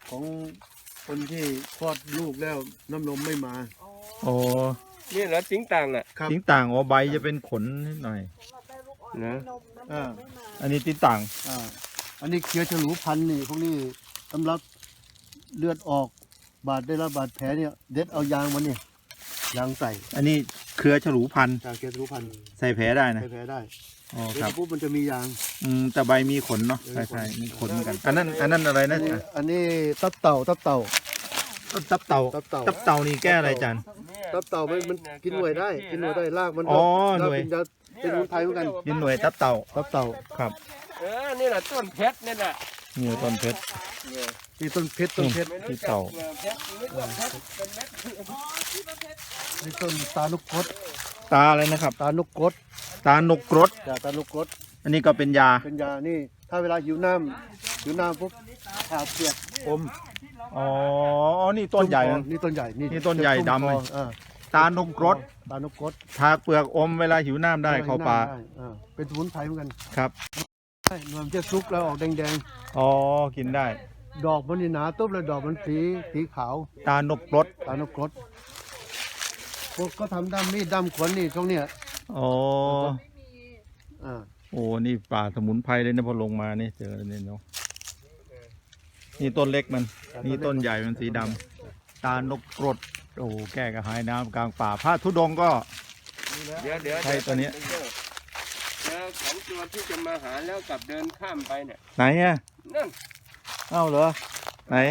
ของคนที่คลอดลูกแล้วน้ำนมไม่มาโอ้นี่เหรอติ้งต่างอ่ะครับติ้งต่างอ๋อใบจะเป็นขนนิดหน่อยนะอ่าอันนี้ติ้งต่างอันนี้เคี้ยวฉลูพันธุ์นี่พวกนี้สำหรับเลือดออกได้รับบาดแผลเนี่ยเด็ดเอายางมันเนี่ยยางใส่อันนี้เครือฉลูพันธุ์จากเคี้ยวฉลูพันธุ์ใส่แผลได้นะใส่แผลได้อ๋อเด็ครัดบปุ๊บมันจะมียางแต่ใบมีขนเนาะใช่ใช่มีขนเหมือนกัน อันนั้นอะไรนะอันนี้ตับเต่าตับเต่าตับเต่าตับเต่านี่แก้อะไรจานตับเต่ามันกินหน่วยได้กินหน่วยได้รากมันอ๋อรากหน่วยเป็นยาเป็นสมุนไพรเหมือนกันยินหน่วยตับเต่าตับเต่าครับนี่แหละต้นเพชรนี่แหละนี่ต้นเพชรนี่ต้นเพชรต้นเพชรไม่รู้จักเพชรนึกว่าเพชรเป็นเม็ดนี่ต้นตาลุกกดตาอะไรนะครับตาลุกกดตานกกรดตาลุกกดอันนี้ก็เป็นยาเป็นยานี่ถ้าเวลาหิวน้ำปุ๊บชาเปียกอมอ๋อ นี่ต้นใหญ่นะนี่ต้นใหญ่นี่ต้นใหญ่ดำเลย ตานกกรดตาลุกกดทาเปลือกอมเวลาหิวน้ำได้เข้าป่าได้เป็นสมุนไพรเหมือนกันครับใช่มันจะซุกแล้วออกแดงอ๋อ กินได้ๆดอกมันนี่หนาตุ๊บแล้วดอกมันสีขาวตานกกรดตาลุกกดพวกก็ทำด้ามมีดด้ามขวานนี่ตรงเนี้ยอ๋ออ่าโอ้ นี่ป่าสมุนไพรเลยนะพอลงมานี่เจอเนี่ยเนาะ นี่ต้นเล็กมัน นี่ต้นใหญ่มันสีดำ ตานกกรด โอ้แก้กระหายน้ำกลางป่าพระธุดงค์ก็เดี๋ยวใช่ตัวเนี้ยเจอของตัวที่จะมาหาแล้วกลับเดินข้ามไปเนี่ยไหนอ่ะนั่นเอ้าเหรอ ไหน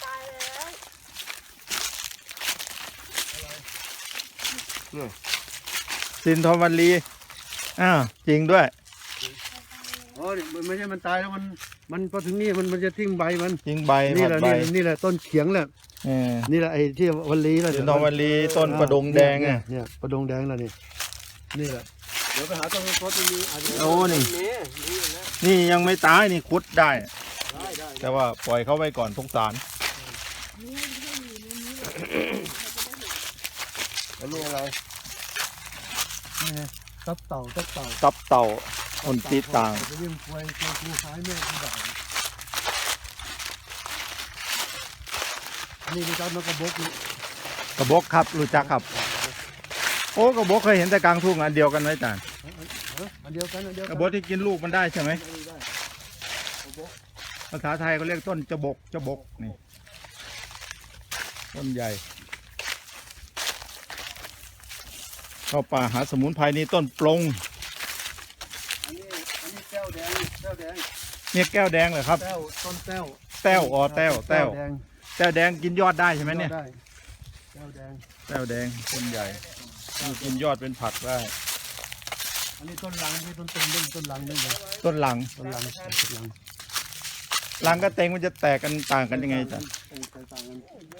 สินทรวัลลี อ้าว จริงด้วยอ๋อมันไม่ใช่มันตายแล้วมันพอถึงนี่มันจะทิ้งใบมันจริงใบนี่ผัแหดละใบนี่แหละต้นเขียงแหละเออนี่แหละไอ้ที่วันลีแล้วสินทรวัลลีต้นประดงแดงอ่ะเนี่ยประดงแดงแล้วนี่แหละเดี๋ยวไปหาต้นโคตรตรงนี้อาจจะโอ้นี่นี่นะนี่ยังไม่ตายนี่คุดได้ได้แต่ว่าปล่อยเขาไว้ก่อนสงสารอันนี้อะไรนี่ไงตับเต่าตับเต่าคนตีต่างไปเลี้ยงควายกูขายแม่ที่บ้านนี่มีการมากระบอกนี่กระบอกครับรู้จักครับ โอ้กระบอกเคยเห็นแต่กลางทุ่งอันเดียวกันไหมจานอันเดียวกันกระบอกที่กินลูกมันได้ใช่ไหมภาษาไทยเขาเรียกต้นจะบกนี่ต้นใหญ่เข้าป่าหาสมุนไพรนี่ต้นปลงอันนี้แก้วแดงเนี่ยแก้วแดงเหรอครับต้นแก้วแต้วอ๋อแต้วแดงแต้วแดงกินยอดได้ใช่ไหมเนี่ยได้แก้วแดงแต้วแดงต้นใหญ่นี่กินยอดเป็นผักได้อันนี้ต้นลังนี่ต้นเล่นต้นลังนี่เลยต้นหลังต้นลังหลังกับเต็งมันจะแตกกันต่างกันยังไงจ๊ะต่างกัน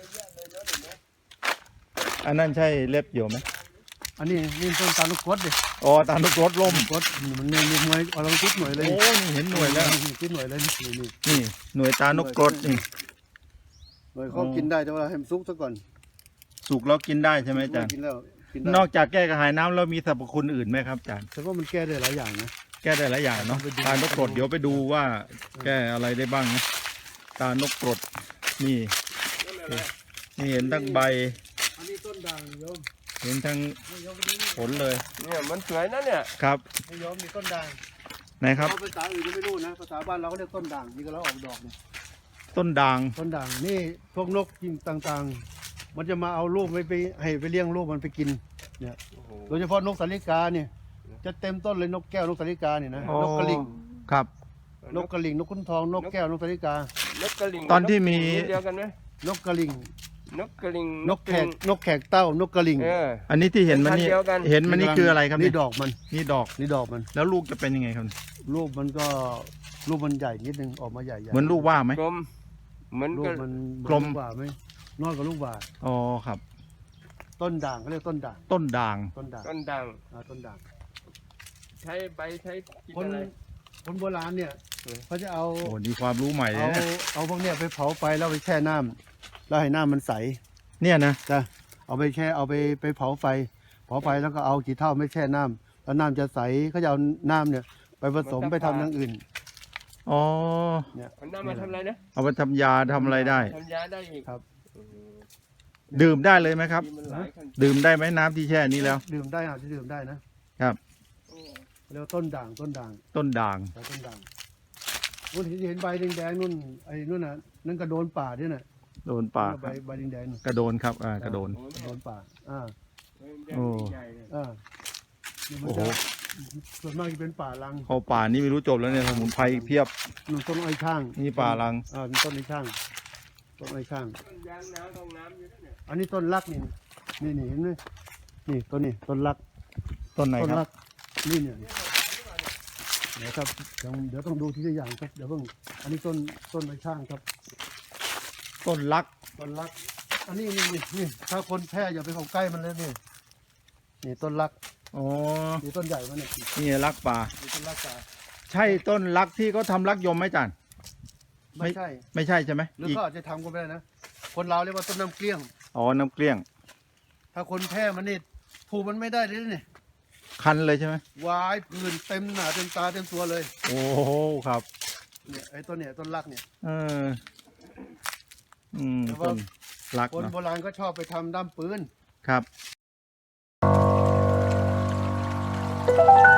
อันนั้นใช่เล็บอยู่ไหมอันนี้นี่ต้นตาลูกกดดิอ๋อตามลูกรถล่มกดมันเนี่ยหน่วยเอาลองคิดหน่วยเลยโอ้นี่เห็นหน่วยแล้วคิดหน่วยเลยนี่นี่หน่วยตานกกรดนี่หน่วยเขากินได้แต่ว่าให้มันซุกซะก่อนสุกแล้วกินได้ใช่ไหมอาจารย์กินแล้วกินได้นอกจากแก้กระหายน้ำแล้วมีสรรพคุณอื่นไหมครับอาจารย์แต่ว่ามันแก้ได้หลายอย่างนะแก้ได้หลายอย่างเนาะตานกกรดเดี๋ยวไปดูว่าแก้อะไรได้บ้างนะตานกกรดนี่นี่เห็นทั้งใบอันนี้ต้นด่างโยมเห็นทั้งผลเลยเนี่ยมันสวยนะเนี่ยครับโยมมีต้นด่างไหนครับภาษาอื่นไม่รู้นะภาษาบ้านเราเรียกต้นด่างนี่ก็แล้วออกดอกเนี่ยต้นด่างต้นด่างนี่พวกนกกินต่างๆ มันจะมาเอาลูกไปให้ไปเลี้ยงลูกมันไปกินเนี่ยโดยเฉพาะนกสาลิกาเนี่ยจะเต็มต้นเลยนกแก้วนกสาลิกาเนี่ยนะนกกระลิงครับนกกระลิงนกขุนทองนกแก้วนกสาลิกานกกระลิงตอนที่มีเดียวกันไหมนกกระลิงนกกระลิงนกแขกเต้านกกระลิงอันนี้ที่เห็นมันนี่พันธุ์เดียวกันเห็นมันนี่คืออะไรครับนี่เยดอกมันนี่ดอกนี่ดอกมันแล้วลูกจะเป็นยังไงครับลูกมันก็ลูกมันใหญ่นิดนึงออกมาใหญ่ๆเหมือนลูกว่าไหมกลมเหมือนลูกักบมันกลมกว่าไหมน้อยกว่าลูกว่าอ๋อครับต้นด่างเขาเรียกต้นด่างต้นด่างต้นด่างต้นด่างต้นด่างใช้ใบใช้กินคนอะไรคนโบราณเนี่ยเขาจะเอาโอ้นี่ความรู้ใหม่เลยนะเอาพวกเนี้ยไปเผาไฟแล้วไปแช่น้ำแล้วให้น้ำมันใสเนี่ยนะจ้ะเอาไปแช่เอาไปเผาไฟแล้วก็เอากี่เท่าไม่แช่น้ำแล้วน้ำจะใสเขาจะเอาน้ำเนี่ยไปผสมไปทำอย่างอื่นอ๋อมันนำมาทำอะไรนะเอาไปทำยาทำอะไรได้ทำยาได้อีกครับดื่มได้เลยไหมครับที่มันหลายขั้นดื่มได้ไหมน้ำที่แช่นี้แล้วดื่มได้อาจจะดื่มได้นะครับ เรียกว่าต้นด่างต้นด่างต้นด่างนู่นเห็นใบแดงๆนู่นไอ้นู่นน่ะนั่นกระโดนป่าด้วยน่ะโดนป่าใบแดงๆน่ะกระโดนครับกระโดนกระโดนป่าอ่าโอ้ใหญ่เลยอ่านี่มันโอ้โหจะส่วนมากจะเป็นป่าลังเข้าป่านี่ไม่รู้จบแล้วเนี่ยสมุนไพรเพียบนู่นต้นอ้อยข้างนี่ป่าลังมีต้นอ้อยข้างต้นอ้อยข้างต้นยางน้ำต้องน้ำอยู่ด้วยเนี่ยอันนี้ต้นรักนี่เห็นไหมนี่ต้นนี้ต้นรักต้นไหนต้นครัรับกนี่เนี่ยเดี๋ยวครับเดี๋ยวต้องดูทีละอย่างครับเดี๋ยวเพิ่งอันนี้ต้นอ้อยข้างครับต้นลักต้นรัก อันนี้นี่ถ้าคนแพ้อย่าไปเข้าใกล้มันเลยนี่ต้นรักอ๋อนี่ต้นใหญ่มันเนี่ยนี่ลักป่านี่ต้นรักตาใช่ต้นลักที่เขาทำลักยมไหมจันไม่ใช่ไม่ใช่ใช่ไหมหรืออีกก็อาจจะทำก็ไม่ได้นะคนเราวเรียกว่าต้นน้ำเกลี้ยงอ๋อน้ำเกลี้ยงถ้าคนแพ้มันนี่ถูกมันไม่ได้เลยนี่คันเลยใช่ไหมวายผื่นเต็มหน้าเต็มตาเต็มตัวเลยโอ้โหครับเนี่ยไอ้ต้นเนี่ยต้นรักเนี่ยเออแต่ว่าต้นลักคนเนอะโบราณก็ชอบไปทำด้ามปืนครับ